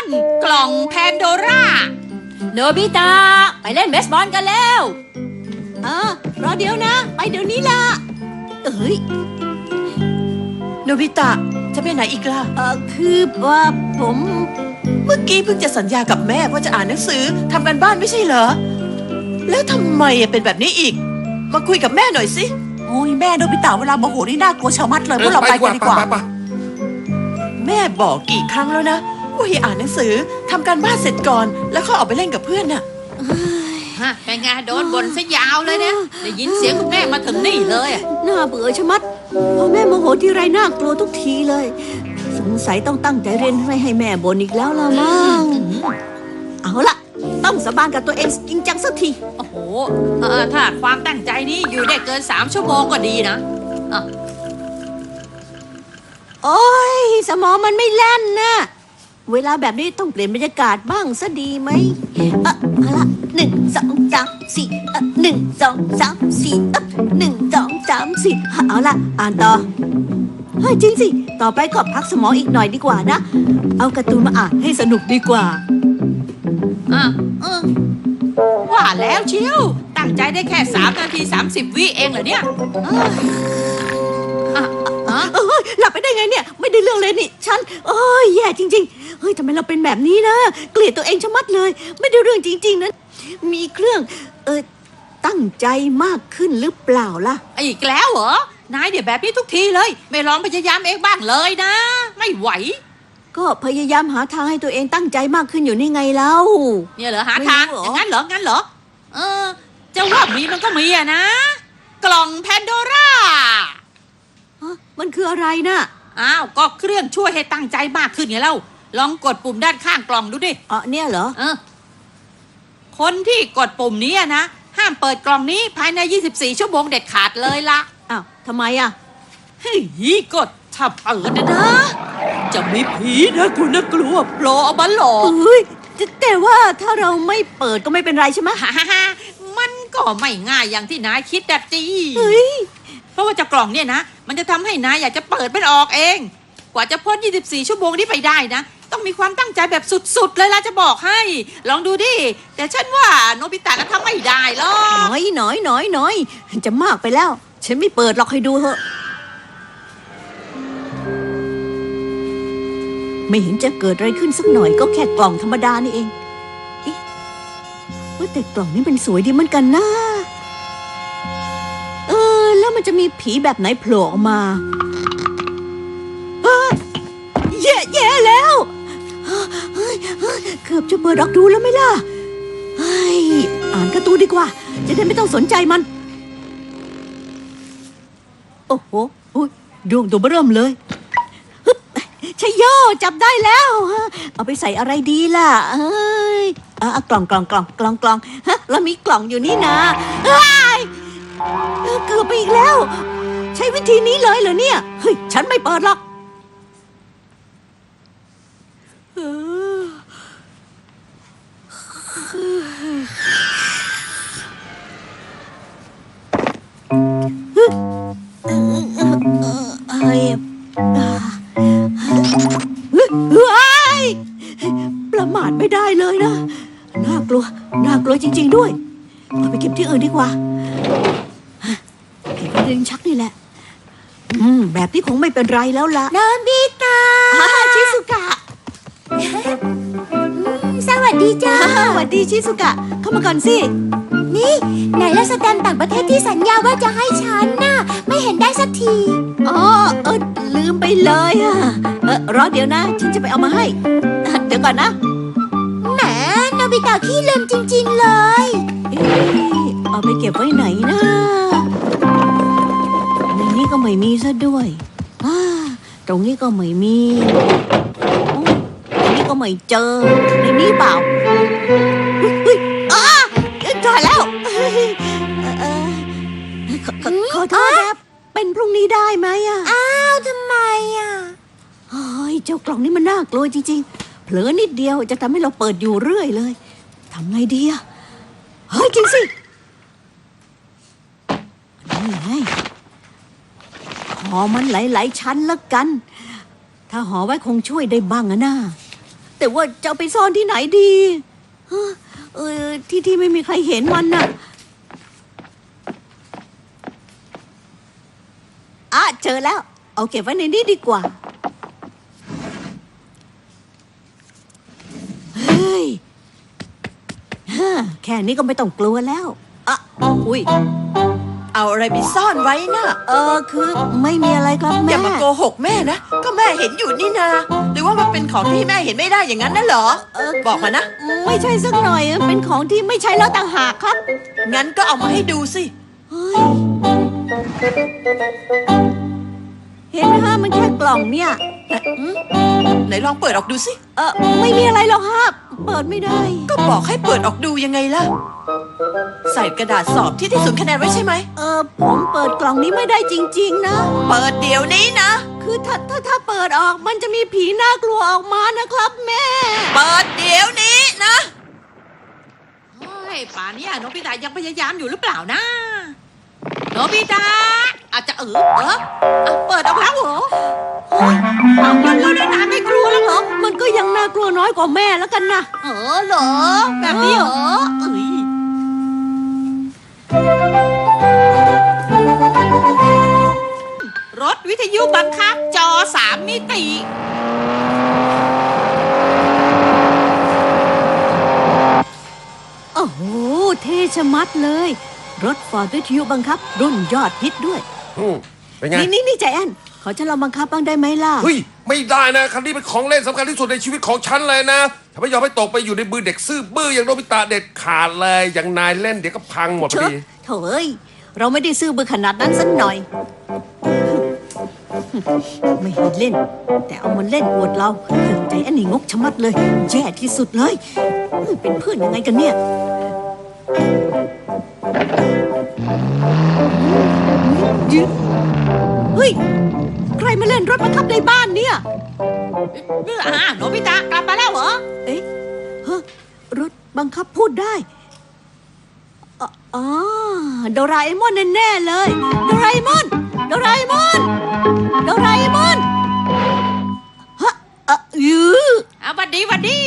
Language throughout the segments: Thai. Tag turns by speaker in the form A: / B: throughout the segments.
A: กล่องแพนโดร่า
B: โนบิตะไปเล่นเบสบอลกันแล้ว
C: รอเดี๋ยวนะไปเดี๋ยวนี้ล่ะ
D: โนบิตะจะไปไหนอีกล่ะ
C: คือว่าผม
D: เมื่อกี้เพิ่งจะสัญญากับแม่ว่าจะอ่านหนังสือทำการบ้านไม่ใช่เหรอแล้วทำไมเป็นแบบนี้อีกมาคุยกับแม่หน่อยสิ
C: โอ้ยแม่โนบิตะเวลาโมโหนี่น่ากลัวชะมัดเลยพวกเราไปกันดีกว่า
D: แม่บอกกี่ครั้งแล้วนะว่าให้อ่านหนังสือทำการบ้านเสร็จก่อนแล้วค่อยออกไปเล่นกับเพื่อนน่ะ
A: เป็นไงโดนบ่นซะยาวเลยเนี่ยได้ยินเสียงคุณแม่มาถึงนี่เลย
C: น่าเบื่อชะมัดพอแม่โมโหทีไรน่ากลัวทุกทีเลยสงสัยต้องตั้งใจเรียนไม่ให้แม่บ่นอีกแล้วละมั้งเอาละต้องสาบานกับตัวเองจริงจังสักที
A: โอ้โหถ้าความตั้งใจนี้อยู่ได้เกิน3 ชั่วโมงก็ดีนะ
C: โอ้ยสมองมันไม่แล่นนะเวลาแบบนี้ต้องเปลี่ยนบรรยากาศบ้างซะดีไหมเอาละ1 2 3 41 2 3 41 2 3 4เอาละอ่านต่อเฮ้ยจริงสิต่อไปก็พักสมองอีกหน่อยดีกว่านะเอาการ์ตูนมาอ่านให้สนุกดีกว่า
A: ว่าแล้วเชียวตั้งใจได้แค่3 นาที 30 วิเองเหรอเนี่ย
C: หลับไปได้ไงเนี่ยไม่ได้เรื่องเลยนี่ฉันแย่จริงๆเฮ้ยทำไมเราเป็นแบบนี้นะเกลียดตัวเองชะมัดเลยไม่ได้เรื่องจริงๆนะมีเครื่องตั้งใจมากขึ้นหรือเปล่าล่ะ
A: อีกแล้วเหรอนายเดี๋ยวแบบนี้ทุกทีเลยไม่ลองพยายามเองบ้างเลยนะไม่ไหว
C: ก็พยายามหาทางให้ตัวเองตั้งใจมากขึ้นอยู่นี่ไงเล่า
A: เนี่ยเหรอหาทางอย่างนั้นเหรอจะว่ามีมันก็มีอะนะกล่องแพนโดร่า
C: มันคืออะไรนะ
A: ก็เครื่องช่วยให้ตั้งใจมากขึ้นไงเล่าลองกดปุ่มด้านข้างกล่องดูดิ
C: เนี่ยเหรอ
A: คนที่กดปุ่มนี้นะห้ามเปิดกล่องนี้ภายใน24 ชั่วโมงเด็ดขาดเลยล่ะ
C: ทำไมอ่ะ
A: เฮ้ยกดถ้าเปิดนะจะมีผีนะคุณน่ากลัวโผล่ออกมาหลอก
C: แต่ว่าถ้าเราไม่เปิดก็ไม่เป็นไรใช่ไหม
A: มันก็ไม่ง่ายอย่างที่นายคิดดัดจีเพราะว่าเจ้ากล่องเนี่ยนะมันจะทำให้นายอยากจะเปิดมันออกเองกว่าจะพ้น24 ชั่วโมงนี้ไปได้นะต้องมีความตั้งใจแบบสุดๆเลยล่ะจะบอกให้ลองดูดิแต่ฉันว่าโนบิตะน่ะทำไม่ได้หรอก
C: น้อยจะมากไปแล้วฉันไม่เปิดหรอกให้ดูเถอะไม่เห็นจะเกิดอะไรขึ้นสักหน่อยก็แค่กล่องธรรมดานี่เองว่าแต่กล่องนี้มันสวยดีเหมือนกันนะแล้วมันจะมีผีแบบไหนโผล่ออกมาแย่แล้วเกือบจะเปิดออกดูแล้วไม่ล่ะอ่านการ์ตูนดีกว่าจะได้ไม่ต้องสนใจมันโอ้โหดวงตัวเริ่มเลยชัยโยจับได้แล้วเอาไปใส่อะไรดีล่ะกล่องแล้วมีกล่องอยู่นี่นะเกือบไปอีกแล้วใช้วิธีนี้เลยเหรอเนี่ยเฮ้ยฉันไม่เปิดหรอกประมาทไม่ได้เลยนะน่ากลัวจริงๆด้วยเอาไปเก็บที่อื่นดีกว่าเก็บไว้ในลิ้นชักนี่แหละแบบนี้คงไม่เป็นไรแล้วล่ะ
B: โนบิตะ
C: ชิซุกะ
B: สวัสดีจ้า
C: สวัสดีชิซุกะเข้ามาก่อนสิ
B: นี่ไหนละสแตมป์ต่างประเทศที่สัญญาว่าจะให้ฉันน่ะไม่เห็นได้สักที
C: ลืมไปเลยรอเดี๋ยวนะฉันจะไปเอามาให้เดี๋ยวก่อนนะ
B: แหมโนบิตะขี้ลืมจริงๆเลย
C: เอาไปเก็บไว้ไหนนะในนี้ก็ไม่มีซะด้วยตรงนี้ก็ไม่มีตรงนี้ก็ไม่เจอในนี้เปล่าเจอแล้วขอโทษนะเป็นพรุ่งนี้ได้ไหม
B: ทำไม
C: เจ้ากล่องนี้มันน่ากลัวจริงๆเผลอนิดเดียวจะทำให้เราเปิดอยู่เรื่อยเลยทำไงดีจริงสินี่ไงห่อมันหลายๆชั้นแล้วกันถ้าห่อไว้คงช่วยได้บ้างนะแต่ว่าจะเอาไปซ่อนที่ไหนดีฮะที่ไม่มีใครเห็นมันน่ะเจอแล้ว เอาเก็บไว้ในนี้ดีกว่าเฮ้ยแค่นี้ก็ไม่ต้องกลัวแล้วอุ้ย
D: เอาอะไรไปซ่อนไว้น่ะ
C: คือไม่มีอะไรครับ
D: อ
C: แม่
D: ย่ามาโกหกแม่นะ ก็แม่เห็นอยู่นี่นาหรือว่ามันเป็นของที่แม่เห็นไม่ได้อย่างนั้นน่ะเหรอ บอกมานะ
C: ไม่ใช่สักหน่อยเป็นของที่ไม่ใช่แล้วต่างหากครับ
D: งั้นก็เอามาให้ดูสิ
C: เฮ้ยเห็นไหมฮะมันแค่กล่องเนี่ย
D: ไหนลองเปิดออกดูสิ
C: ไม่มีอะไรหรอกครับเปิดไม่ได้
D: ก็บอกให้เปิดออกดูยังไงล่ะ ใส่กระดาษสอบที่ศูนย์คะแนนไว้ใช่ไหม
C: ผมเปิดกล่องนี้ไม่ได้จริงๆนะ
D: เปิดเดี๋ยวนี้นะ
C: คือถ้าเปิดออกมันจะมีผีน่ากลัวออกมานะครับแม่
D: เปิดเดี๋ยวนี้นะ
A: โอ้ยป่านเนี้ยโนบิตะยังพยายามอยู่หรือเปล่านะโนบิตะอาจจะเปิดออกแล้วเหรอเอามันแล้วนานไม่กลัวแล้วเหรอ
C: มันก็ยังน่ากลัวน้อยกว่าแม่แล้วกันนะ
A: เหรอแบบนี้เหรอรถวิทยุบังคับจอ3 มิติ
C: โอ้โหเท่ชะมัดเลยรถฟอร์ดวิทยุบังคับรุ่นยอดฮิตด้วย
E: เป็นไง
C: นี่ใจแอนขอฉันลองบังคับบ้างได้ไหมล่ะ
E: เฮ้ยไม่ได้นะคันนี้เป็นของเล่นสำคัญที่สุดในชีวิตของฉันเลยนะถ้าไม่ยอมให้ตกไปอยู่ในมือเด็กซื่อบื้ออย่างโนบิตะเด็ดขาดเลยอย่างนายเล่นเดี๋ยวก็พังหมดพอดี
C: โถ่เอ้ยเราไม่ได้ซื้อมือขนาดนั้นสักหน่อย ไม่ให้เล่น แต่เอามันเล่นอวดเราใจอันนี้งกชะมัดเลยแย่ที่สุดเลยเป็นเพื่อนยังไงกันเนี่ยเฮ้ยใครมาเล่นรถบังคับในบ้านเนี่ย
A: โนบิตะกลับมาแล้วเหรอ
C: เอ๊ะฮะรถบังคับพูดได้อ๋อโดราเอมอนแน่ๆเลยโดราเอมอนโดราเอมอนโดราเอมอนฮะ
A: วัดดี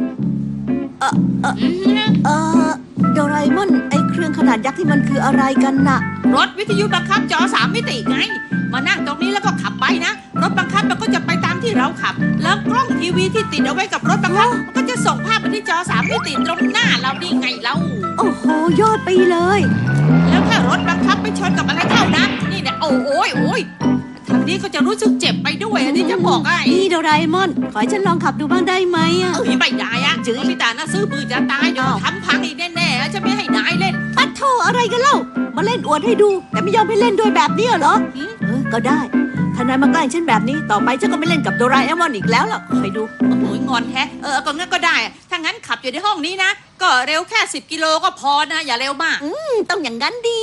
C: โดราเอมอนไอ้เครื่องขนาดยักษ์ที่มันคืออะไรกันน่ะ
A: รถวิทยุบังคับจอ3 มิติไงมานั่งตรงนี้แล้วก็ขับไปนะรถบังคับมันก็จะไปตามที่เราขับแล้วกล้องทีวีที่ติดเอาไว้กับรถบังคับมันก็จะส่งภาพไปที่จอ3 มิติตรงหน้าเรานี่ไงเรา
C: โอ้โหยอดไปเลย
A: แล้วถ้ารถบังคับไปชนกับอะไรเข้านะนี่เนี่ยโอ้ยทางนี้ก็จะรู้สึกเจ็บไปด้วยอันนี้จะบอกไอ้
C: นี่โดราเอมอนขอให้ฉันลองขับดูบ้างได้ไหมอ่ะ
A: ไม่ได้อะโนบิตะน่ะซื้อปืนจะตายเดี๋ยวทำพังอีกแน่ๆจะไม่ให้นายเล่น
C: ปัดโทอะไรกันเล่ามาเล่นอวดให้ดูแต่ไม่ยอมให้เล่นด้วยแบบนี้เหรอก็ได้ถ้านายมาใกล้ฉันแบบนี้ต่อไปฉันก็ไม่เล่นกับโดราเอมอนอีกแล้วล่ะคอยดู
A: โอ้โหงอนแฮะก็งั้นก็ได้ถ้างั้นขับอยู่ในห้องนี้นะก็เร็วแค่10 กิโลก็พอนะอย่าเร็วมาก
C: ต้องอย่างนั้นดี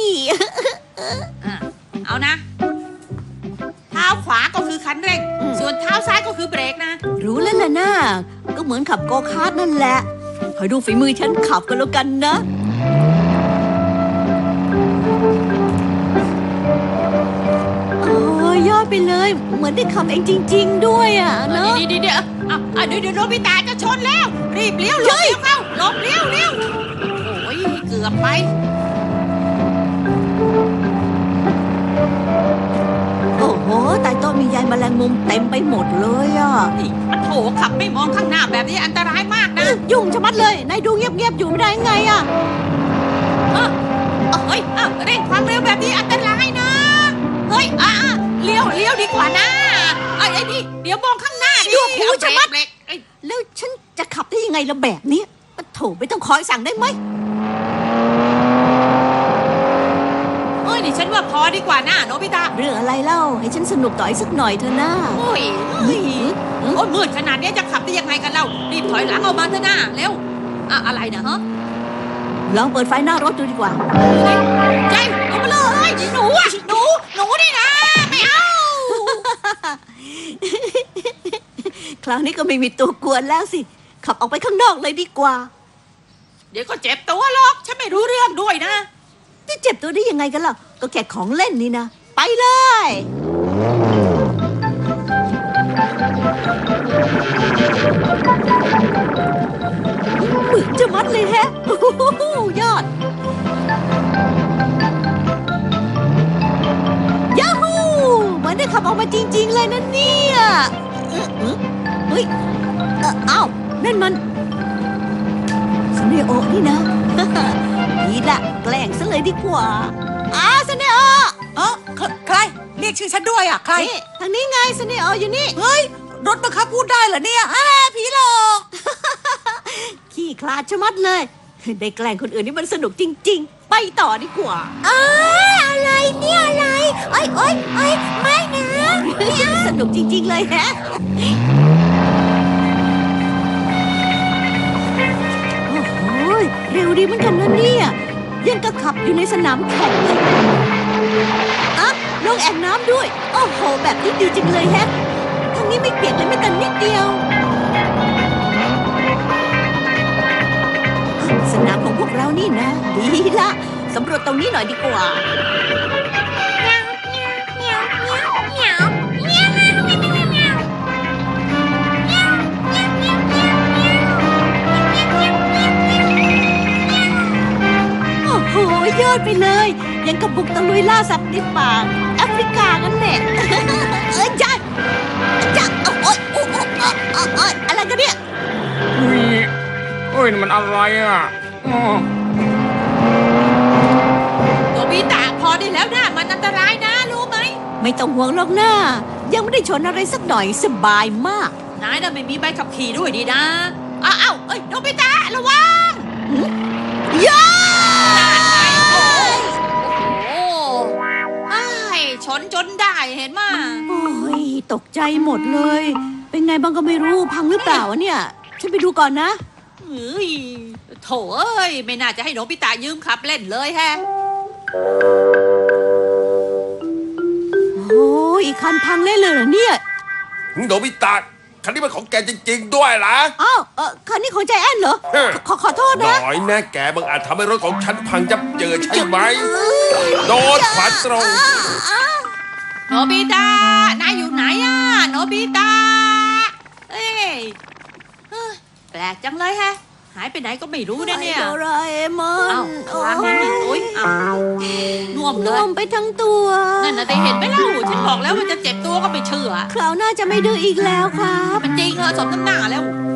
A: เอานะเท้าขวาก็คือคันเร่งส่วนเท้าซ้ายก็คือเบรกนะ
C: รู้แล้วล่ะนะก็เหมือนขับโกคาร์ทนั่นแหละคอยดูฝีมือฉันขับกันแล้วกันนะโอ้ยอดไปเลยเหมือนได้ขับเองจริงๆด้วยอ่ะเนาะ
A: เดี๋ยวโนบิตะจะชนแล้วรีบเลี้ยวเข้าหลบเลี้ยวโอ้ยเกือบไป
C: โอ้โหใต้โต๊ะมีใยแมลงมุมเต็มไปหมดเลยอ่ะ
A: นี่มันโถขับไม่มองข้างหน้าแบบนี้อันตรายมากนะ
C: ยุ่งชะมัดเลยนายดูเงียบๆอยู่ไม่ได้ไงอ่ะ
A: เฮ้ยเร่งความเร็วแบบนี้อันตรายนะเฮ้ยเลี้ยวดีกว่านะไอ้นี่เดี๋ยวมองข้างหน้าดิ
C: ดูหูชะมัด
A: เบรก
C: แล้วฉันจะขับได้ยังไงละแบบนี้โถไม่ต้องคอยสั่งได้ไหม
A: นี่ฉันว่าพอดีกว่านะโนบิตะ
C: เรื่องอะไรเล่าให้ฉันสนุกต่ออีกสักหน่อยเถอะนะ
A: โอ้ยมืดขนาดนี้จะขับได้ยังไงกันเล่ารีบถอยหลังออกมาเถอะนะเร็วอะไรนะฮะ
C: ลองเปิดไฟหน้ารถดูดีกว่า
A: ใจลงมาเลยหนูนี่นะไม่เอา
C: คราวนี้ก็ไม่มีตัวกวนแล้วสิขับออกไปข้างนอกเลยดีกว่า
A: เดี๋ยวก็เจ็บตัวหรอกฉันไม่รู้เรื่องด้วยนะ
C: จะเจ็บตัวได้ยังไงกันล่ะก็แค่ของเล่นนี่นะไปเลยเลยแฮะโอ้โหยอดยาฮูเหมือนได้ขับออกมาจริงๆเลยนะเนี่ยเฮ้ยอ้าวนั่นมันสเนโอนี่นะ ดีละแกล้งซะเลยดีกว่าสเนโอ
F: ใครเรียกชื่อฉันด้วยอ่ะใคร
C: นี่ทางนี้ไงสเนโออยู่นี่
F: เฮ้ย รถบังคับพูดได้เหรอเนี่ยผีหลอก
C: ขี้คลาดชะมัดเลย ได้แกล้งคนอื่นนี่มันสนุกจริงๆ ไปต่อดีกว่า
B: อะไรเนี่ยอะไรโอ้ยไม่นะ
C: สนุกจริงๆเลยแฮะ โอ้โหเร็วดีเหมือนกันนะเนี่ยยังกระขับอยู่ในสนามแข่งเลยลงแอ่งน้ำด้วย โอ้โห แบบนี้ดีจังเลยแฮะทางนี้ไม่เปียกเลยแม้แต่นิดเดียว สนามของพวกเรานี่นะ ดีละสำรวจตรงนี้หน่อยดีกว่า โอ้โห ยอดไปเลย ยังกับบุกตะลุยล่าสัตว์ในป่าแอฟริกากันแหละ จ้าโอ๊ยอะไรกันเนี่ย
G: เฮ้ยนี่มันอะไรอ่ะอ๋อ
A: โนบิตะพอได้แล้วนะมันอันตรายนะรู้ไหม
C: ไม่ต้องห่วงหรอกนะยังไม่ได้ชนอะไรสักหน่อยสบายมาก
A: นายน่ะไม่มีใบขับขี่ด้วยดีนะอ้าวเอ้ยโนบิตะระวัง
C: ย้า
A: โอ้อ้ายชนจนได้เห็นมา
C: โอ้ยตกใจหมดเลย เป็นไงบ้างก็ไม่รู้พังหรือเปล่าวะเนี่ย ฉันไปดูก่อนนะ
A: เฮ้ยโถเอ้ยไม่น่าจะให้โนบิตะยืมขับเล่นเลยแฮะ
C: โอ้ยอีกคันพังเล่นเลยเหรอเนี่ย
E: โนบิตะคันนี้เป็นของแกจริงๆด้วยล่ะ
C: อ้าวคันนี้ของใจแอนเหรอ
E: เฮ้ย
C: ขอโทษ
E: ห
C: นะ
E: น่อยแน่แกบังอาจทำให้รถของฉันพังยับเยินใช่ไหมโดนขวาตรง
A: โนบิตะนายอยู่ไหนอะโนบิตะเอ้ยเฮ้ยแปลกจังเลยแฮะ หายไปไหนก็ไม่รู้นะเนี่ย
C: โดราเอมอน
A: อ้าวคลางนิดหนึ่งโอ๊ยอ้าวน่วมเล
C: น่วย มไปทั้งตัว
A: นั่นน่ะได้เห็นไหมเล่าฉันบอกแล้วว่าจะเจ็บตัวก็ไม่เชื่อ
C: คราวหน้าจะไม่ดื้ออีกแล้วครับ
A: มันจริงเหรอสมน้ำหน้าแล้ว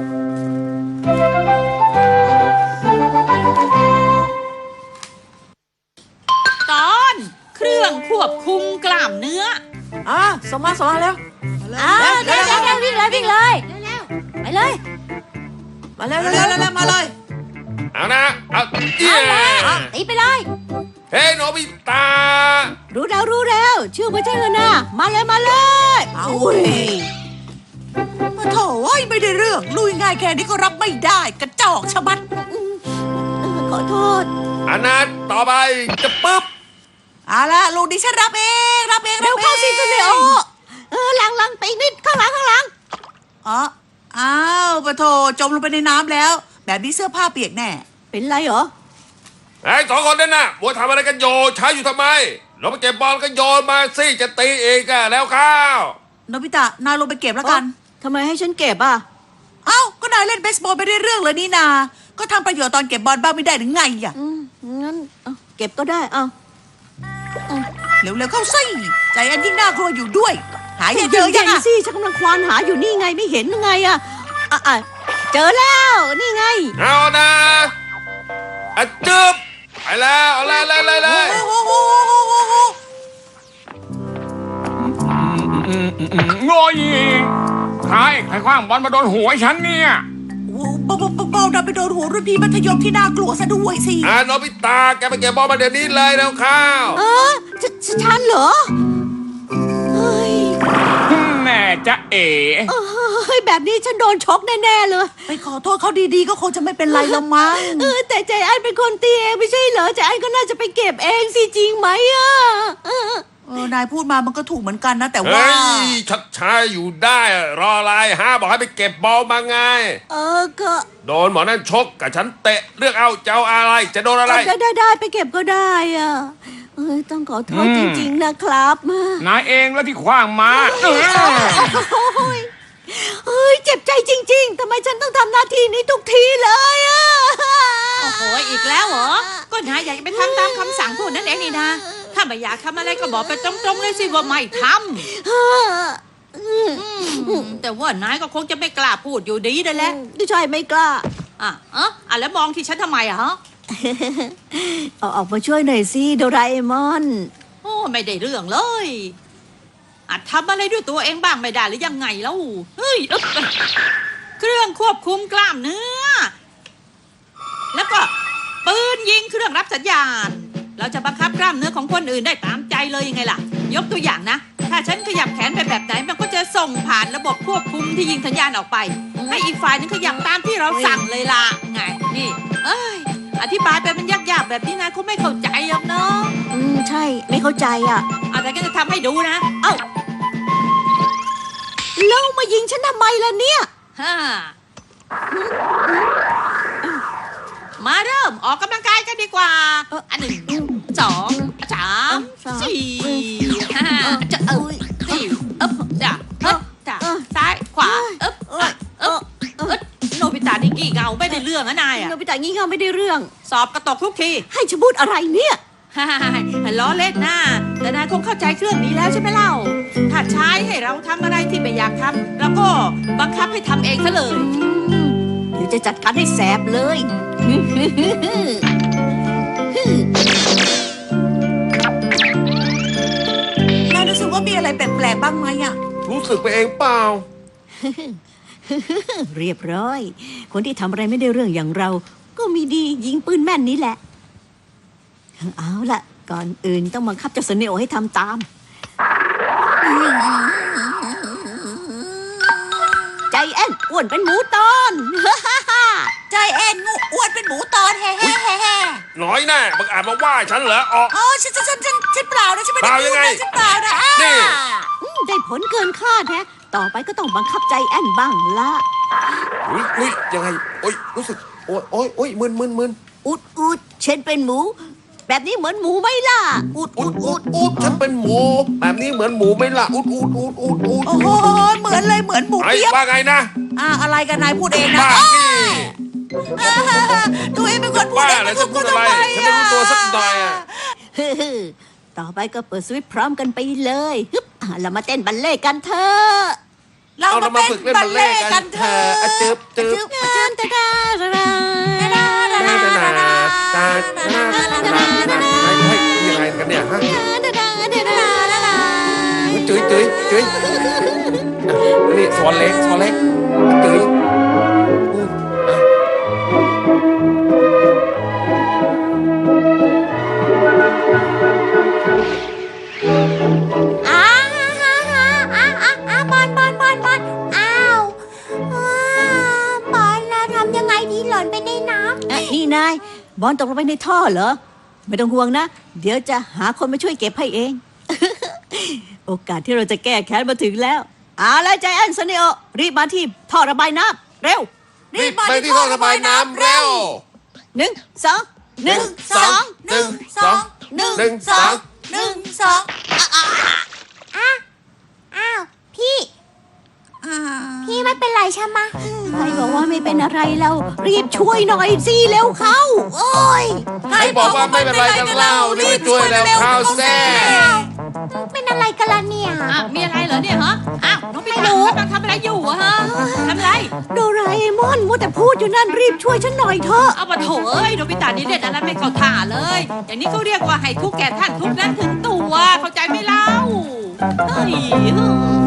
A: ตอนเครื่องควบคุมกล้ามเนื้อ
D: สมมาแล้ว
C: เดี๋ยววิ่งเลยไปเลย
D: มาแล้วมาเลย
E: เอานะเอาเอี้ย
C: ตีไปเลย
E: เฮ้ยโนบิตะ
C: รู้แล้วชื่อไม่ใช่เลยนะมาเลย
F: เอาเว้ยโถ่เอ้ยไม่ได้เรื่องลุยง่ายแค่นี้ก็รับไม่ได้กระจอกชะมัด
C: ขอโทษ
E: อันนั้นต่อไปจะปึ๊บ
F: เอาละลูกดิฉันรับเอง
C: เร็วเข้าสิเสนอหลังไปอีกนิดข้างหลัง
F: อ๋ออ้าวปะโถจมลงไปในน้ำแล้ว แบบนี้เสื้อผ้าเปียกแน่
C: เป็นไรเหรอ
E: ไอ้สองคนนั่นน่ะมัวทำอะไรกันโยช้าอยู่ทำไมเราไปเก็บบอลก็โยนมาสิจะตีอีกอะแล้วข้าว
F: โนบิตะนายลงไปเก็บแล้วกัน
C: ทำไมให้ฉันเก็บอ่ะ
F: เอ้าก็นายเล่นเบสบอลไปได้เรื่องเลยนี่นา ก็ทำประโยชน์ตอนเก็บบอลบ้างไม่ได้หรือไงอ่ะ
C: งั้นเก็บก็ได้เอา
F: เร็วๆเข้าสิใจอันยิ่งน่ากลัวอยู่ด้วย หายเจอยัง
C: ๆ
F: อ่ะ
C: สิฉันกำลังควานหาอยู่นี่ไงไม่เห็นไงอ่ะเจอแล้วนี่ไง
E: เอานะอะจึ๊บไปแล้วเอาเลย
F: โอ้โห
G: โง่ยใครคว้างบอลมาโดนหัวฉันเนี่ย
F: เบาๆดันไปโดนหัวรุ่นพี่มัธยมที่น่ากลัวซะด้วยสิ
E: โนบิตะแกไปเก็บบอลมาเดี๋ยวนี้เลยแล้วข้าว
C: ฉันเหรอเฮ้ย
G: แม่จะเอ๋
C: แบบนี้ฉันโดนชกแน่ๆเลย
F: ไปขอโทษเขาดีๆก็คงจะไม่เป็นไรแล้วมั้ง
C: แต่ใจแอนเป็นคนตีเองไม่ใช่เหรอใจแอนก็น่าจะไปเก็บเองสิจริงไหมอ่ะ
F: นายพูดมามันก็ถูกเหมือนกันนะแต่ว่า
E: เฮ้ยชักช้าอยู่ได้รออะไรบอกให้ไปเก็บบอลมาไง
C: ก็
E: โดนหมอนั่นชกกับฉันเตะเลือกเอาจะเอาอะไรจะโดนอะไร
C: ได้ไปเก็บก็ได้อ่ะต้องขอโทษจริงๆนะครับ
G: นายเองแล้วที่คว้างมา
C: เฮ้ยเจ็บใจจริงๆทำไมฉันต้องทำหน้าที่นี้ทุกทีเลยอ่ะ
A: โอ้โหอีกแล้วเหรอก็นายอยากจะไปทำตามคำสั่งพวกนั้นเองนี่นะถ้าไม่อยากทำอะไรก็บอกไปตรงๆเลยสิว่าไม่ทำแต่ว่านายก็คงจะไม่กล้าพูดอยู่ดีนั่นแหละ
C: ใช่ไม่กล้า
A: แล้วมองที่ฉันทำไมอะฮะ
C: เอาออกมาช่วยหน่อยสิโดราเอมอน
A: โอ้ไม่ได้เรื่องเลยอาจทำอะไรด้วยตัวเองบ้างไม่ได้หรือยังไงแล้วเฮ้ยเครื่องควบคุมกล้ามเนื้อ แล้วก็ปืนยิงเครื่องรับสัญญาณ เราจะบังคับกล้ามเนื้อของคนอื่นได้ตามใจเลยยังไงล่ะ ยกตัวอย่างนะ ถ้าฉันขยับแขนไปแบบไหนมันก็จะส่งผ่านระบบควบคุมที่ยิงสัญญาณออกไป ให้อีกฝ่ายนึงขยับตามที่เราสั่งเลยล่ะไงนี่อธิบายไปมันยากๆแบบนี้นะเขาไม่เข้าใจหรอกเนาะ
C: ใช่ไม่เข้าใจอ่ะ
A: แต่ก็จะทำให้ดูนะ
C: แล้วมายิงฉันทำไมล่ะเนี่ย
A: ฮ่ามาเริ่มออกกำลังกายกันดีกว่า อัน 1 2 3 4 5จะ4จ้ะจ้ะซ้ายขวาโนบิตะนี่กี่เงาไม่ได้เรื่องนะนายอะ
C: โนบิตะงี้เงาไม่ได้เรื่อง
A: สอบกระตกทุกที
C: ให้ฉันพูดอะไรเนี่ย
A: ล้อเล่นนะแต่นายคงเข้าใจเครื่องนี้แล้วใช่ไหมเล่า ถ้าใช้ให้เราทำอะไรที่ไม่อยากทำเราก็บังคับให้ทำเองซะเลย
C: เดี๋ยวจะจัดการให้แสบเลย
F: นายรู้สึกว่ามีอะไรแปลกๆบ้างไหมอ่ะ
E: รู้สึกไปเองเปล่า
C: เรียบร้อย คนที่ทำอะไรไม่ได้เรื่องอย่างเรา ก็มีดียิงปืนแม่นนี้แหละ เอาล่ะ ก่อนอื่นต้องบังคับเจ้าเสนโอให้ทำตาม ใจแอนอ้วนเป็นหมูตอน
F: ใจแอนงูอ้วนเป็นหมูตอนแฮ่แฮ่แฮ่แฮ่
E: น้อยแน่บังอาจมาว่าฉันเหรอออก
F: อ๋อฉันเปล่านะฉันไม่ได้
E: เปล่า
F: พู
E: ยั
F: ด
E: งไง
F: นะฉันเปล่านะ
E: นี่
C: ได้ผลเกินคาดแฮะ ต่อไปก็ต้องบังคับใจแอนบ้างละ
E: อุ้ยยังไงโอ้ยรู้สึกโอ้ยมึน
C: อุดเช่นเป็นหมู แบบนี้เหมือนหมูไหมล่ะ
E: อุดฉันเป็นหมูแบบนี้เหมือนหมูไหม่ล่ะอุด
F: โอ้โหเหมือนเลยเหมือนหมู
E: ไอ้
F: เปี๊ยบ
E: ว่าไงนะ
F: อะไรกันนายพูดเองนะ
E: บ้านี่
F: ตัวเองเป็นคนพูด
E: บ้า
F: เอง
E: แล้
F: เป็
E: วน
F: ค
E: จะ
F: น
E: พู
F: พู
E: ด
F: ด
E: อะไร
F: ทำไม
E: ฉันไม่รู้ตัวสักหน่อยอ่ะ
C: ต่อไปก็เปิดสวิตช์พร้อมกันไปเลยฮึบเรามาเต้นบัลเล่ต์กันเถอะ
F: เรา
E: เอาเรา
F: มา
E: มา
F: เป็น
E: ฝึกเล่น
F: บั
E: บั
F: ล
E: ล
F: เล่
E: เล่
F: ต์
E: กั
F: กัน น
E: เถ
F: เถ
E: อะ
F: อะ
E: จึ๊บ ยังไงกันเนี่ยฮะจุ๋ยนี่สอนเล็กจุ๋ย
B: บอลอ้าวบอลเราทำยังไงดีหล่นไปในน้ำ
C: นี่นาย บอลตกลงไปในท่อเหรอ ไม่ต้องห่วงนะ เดี๋ยวจะหาคนมาช่วยเก็บให้เอง โอกาสที่เราจะแก้แค้นมาถึงแล้วเอาละใจแอนเสนโอรีบมาที่ท่อระบายน้ำเร็ว
E: รีบไปที่ท่อระบายน้ำเร็ว
C: 1 2 1
B: อ้าวพี่ไม่เป็นไรใช่ไหมะ
C: ใครบอกว่าไม่เป็นอะไรเรารีบช่วยหน่อยสิเร็วเข้า โอ้ย
E: ให้บอกว่าไม่เป็นไรกันเล่ารีบช่วยแล้วข้าวแซ่
B: เป็นอะไรกันล่ะเนี่ย
A: มีอะไรเหรอเนี่ยฮะน้องพี่ตากำลังทำอะไรอยู่อะฮะทำอะไร
C: โดราเอมอนมัวแต่พูดอยู่นั่นรีบช่วยฉันหน่อยเถอะ
A: เอามาโถเอ้ยโนบิตะนี่เล่นอะไรไม่เข้าท่าเลย อย่างนี้เขาเรียกว่าให้ทุกแก่ท่านทุกนั้นถึงตัว เข้าใจไหมเล่าเฮ้ย